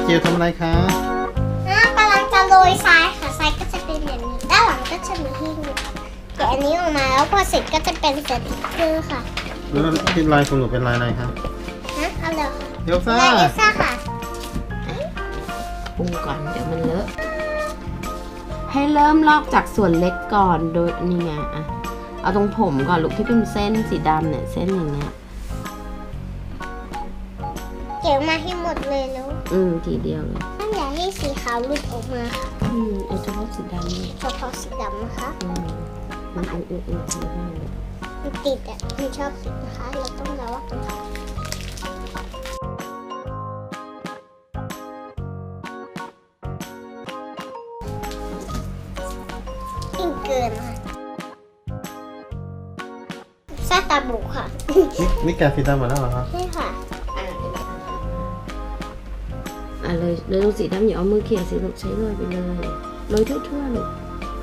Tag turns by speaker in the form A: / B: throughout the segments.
A: จิ๋วทำอะไรคะ
B: กำลังจะโรยทรายค่ะทรายก็จะเป็นอย่างนี้ด้านหลังก็จะมีหิ้งแกะอันนี้ออกมาแล้วพอเสร็จก็จะเป็นสติกเกอร์ค่ะ
A: แล้วที่ลายของหนูเป็นลายอะไรครับ
B: เอาเลยค่ะ
A: เอลซ่า
B: ลายเอลซ่าค่ะ
C: ปรุงก่อนเดี๋ยวมันเลอะให้เริ่มลอกจากส่วนเล็กก่อนโดยนี่ไงอ่ะเอาตรงผมก่อนลูกที่เป็นเส้นสีดำเนี่ยเส้นอย่างเงี้ย
B: เก็บมาให้หมดเลยแล้ว
C: ทีเดียวเลย
B: ถ้าอยากให้สีขาวหลุดออกมาค่ะ
C: เอาเฉพาะสีดำ
B: เฉพาะสีดำนะคะ
C: มัน
B: มันติดอ่ะมันชอบติดนะคะเราต้องระวังยิ่งเกินค่ะซาตาบุค่ะ
A: นี่แกะสีดำมาแล้วเหรอครับ
B: ใช่ค่ะ
C: เลยตรงสีดำอย่าเอามือเขี่ยสิลูกใช้โรยไปเลยโรยทั่วๆลูก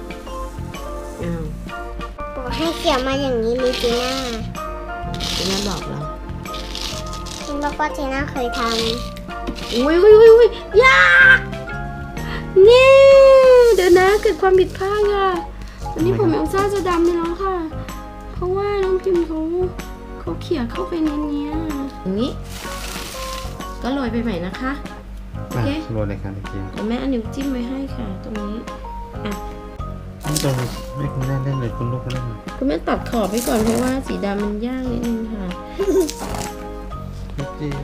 B: บอกให้เกี่ยวมาอย่างนี้ลิจีน่า
C: บอกเรา
B: คุณบอกว่าเจน่าเคยท
C: ำอุ้ยยากนี่เดี๋ยวนะเกิดความผิดพลาดค่ะวันนี้ผมเอลซ่าจะดำไปแล้วค่ะเพราะว่าน้องพิมพ์เขาเขี่ยเข้าไปในนี้อย่างนี้ก็โรยไปใหม่นะคะโอเค
A: โรยเลยค่ะเด็กจิ๋ว
C: เดี๋ยวแม่เอานิ้วจิ้มไว้ให้ค่ะตรงนี้
A: นี่ตรงไม่คุณแม่เล่นเลยคุณลูกก็เล่น
C: คุณแม่ตัดขอบไปก่อนเพราะว่าสีดำมันยากนิดนึงค่ะ
A: เด็กจิ๋ว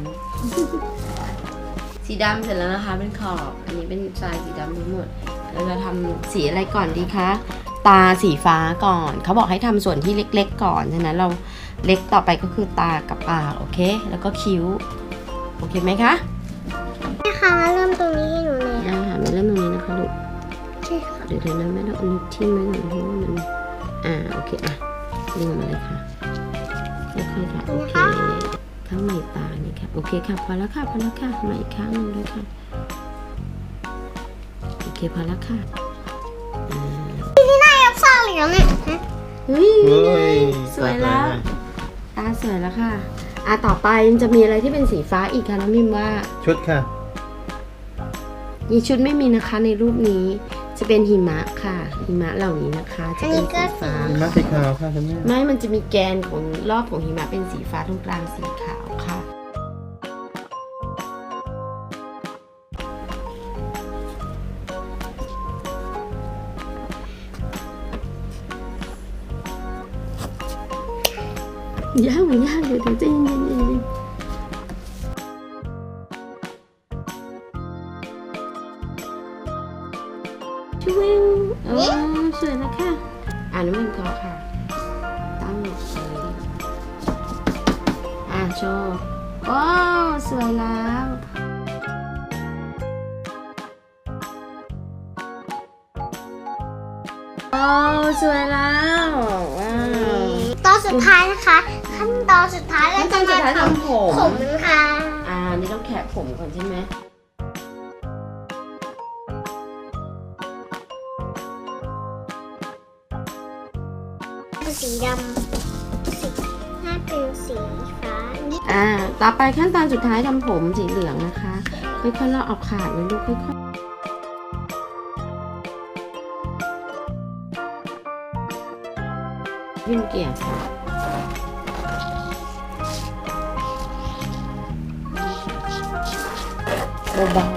C: สีดำเสร็จแล้วนะคะเป็นขอบอันนี้เป็นทรายสีดำทั้งหมดเราจะทำสีอะไรก่อนดีคะตาสีฟ้าก่อนเขาบอกให้ทำส่วนที่เล็กๆก่อนฉะนั้นเราเล็กต่อไปก็คือตากับปากโอเคแล้วก็คิ้วโอเคไหมคะ
B: แม่คะเริ่มตรงนี้ให้หนูเลย
C: ค่ะไม่เริ่มตรงนี้นะคะลูก
B: ใช่ค่ะ
C: เดี๋ยวนะแม่ต้องเอานิ้วทิ่มไว้ก่อนเพราะว่ามันโอเคดึงออกมาเลยค่ะค่อยๆค่ะโอเคข้างในตานี่ค่ะโอเคค่ะพอแล้วค่ะมาอีกข้างนึงด้วยค่ะโอเคพอแล้วค่ะ
B: นี่น่าเอลซ่าเหลืองเนี่ย
C: เฮ้ยสวยแล้วตาสวยแล้วค่ะต่อไปมันจะมีอะไรที่เป็นสีฟ้าอีกคะน้องมิมว่า
A: ชุดค่ะ
C: ชุดไม่มีนะคะในรูปนี้จะเป็นหิมะค่ะหิมะเหล่านี้นะคะจะเป็นสีฟ้า
A: หิมะสีขาวค่ะคุณแม่
C: ไม่มันจะมีแกนของรอบของหิมะเป็นสีฟ้าตรงกลางสีขาวค่ะยากเดี๋ยวใจเย็นช่วยสวยแล้วค่ะน้ำมันก็ค่ะตั้งหมดเลยโชว์สวยแล้วสวยแล้วว้าว
B: ตอนสุดท้ายนะคะขั้นตอนสุดท้ายแล้วจะมาทำผมค่ะ
C: นี่ต้องแคะผมก่อนใช่ไหม
B: สีดำถ้าเป็นสีฟ้า
C: ต่อไปขั้นตอนสุดท้ายทำผมสีเหลืองนะคะค่อยๆเราเอาขาดเลยลูกค่อยๆวิ่งเกี่ยวค่ะเบา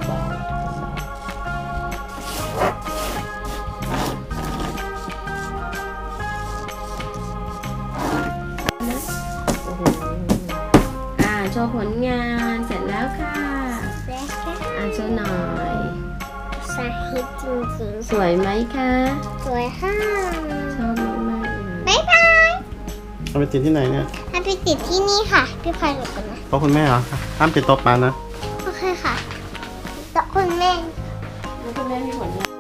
C: โชว์ผลงานเสร็จแล้วค่ะโชว์หน่อย
B: สาธิตจริง
C: ๆสวยไหมคะ
B: สวยค่ะ
C: ชอบมาก
B: ๆบ๊ายบาย
A: เอาไปติดที่ไหนเนี่ย
B: เอาไปติดที่นี่ค่ะพี่พลอยหลบกันนะ
A: เพราะคุณแม่เหรอห้ามติดโต๊ะปลานะ
B: โอเคค่ะโต๊ะคุณแม่
C: มีผลงาน